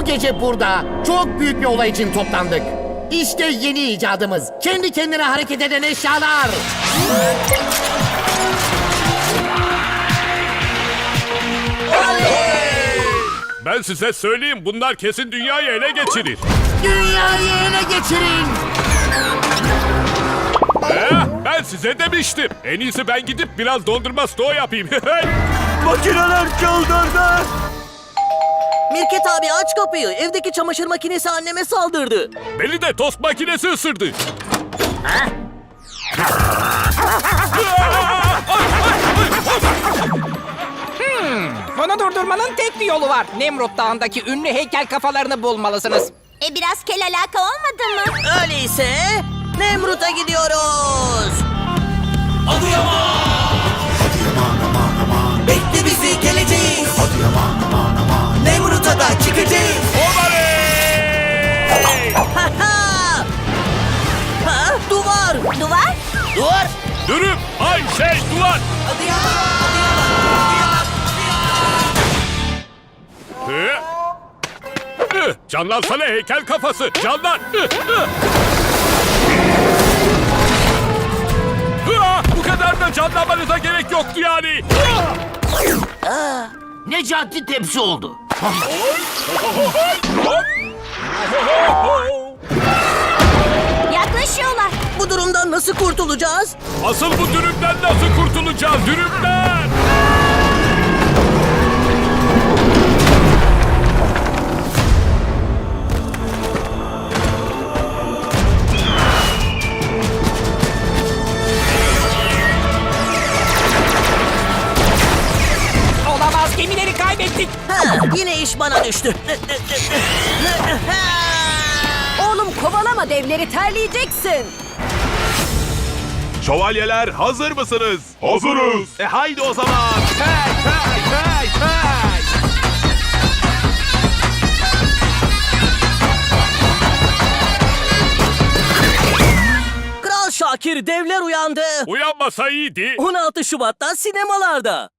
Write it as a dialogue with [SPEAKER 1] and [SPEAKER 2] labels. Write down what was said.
[SPEAKER 1] gece burada çok büyük bir olay için toplandık. İşte yeni icadımız. Kendi kendine hareket eden eşyalar.
[SPEAKER 2] Ben size söyleyeyim, bunlar kesin dünyayı ele geçirir.
[SPEAKER 1] Dünyayı ele geçirin.
[SPEAKER 2] Ben size demiştim. En iyisi ben gidip biraz dondurma stoğu yapayım.
[SPEAKER 3] Makineler çıldırdı.
[SPEAKER 4] Mirket abi aç kapıyı. Evdeki çamaşır makinesi anneme saldırdı.
[SPEAKER 2] Beni de tost makinesi ısırdı.
[SPEAKER 5] Bunu durdurmanın tek bir yolu var. Nemrut Dağı'ndaki ünlü heykel kafalarını bulmalısınız.
[SPEAKER 6] Biraz kel alaka olmadı mı?
[SPEAKER 4] Öyleyse Nemrut'a gidiyoruz.
[SPEAKER 3] Bekle bizi geleceğiz. Nemrut'a da çıkacağız.
[SPEAKER 4] Ha ha! Ha, duvar!
[SPEAKER 6] Duvar?
[SPEAKER 4] Duvar!
[SPEAKER 2] Dürüm, ay duvar. Canlansana heykel kafası, canlan. Bu kadar da canlanmanıza gerek yoktu yani.
[SPEAKER 1] Necati tepsi oldu.
[SPEAKER 6] Yaklaşıyorlar.
[SPEAKER 4] Bu durumdan nasıl kurtulacağız?
[SPEAKER 2] Asıl bu dürümden nasıl kurtulacağız, dürümden?
[SPEAKER 5] Olamaz, gemileri kaybettik.
[SPEAKER 4] Ha, yine iş bana düştü.
[SPEAKER 6] Oğlum kovalama devleri, terleyeceksin.
[SPEAKER 7] Şövalyeler hazır mısınız? Hazırız. Haydi o zaman. Hey hey hey hey.
[SPEAKER 4] Kral Şakir, devler uyandı.
[SPEAKER 2] Uyanmasa iyiydi.
[SPEAKER 4] 16 Şubat'ta sinemalarda.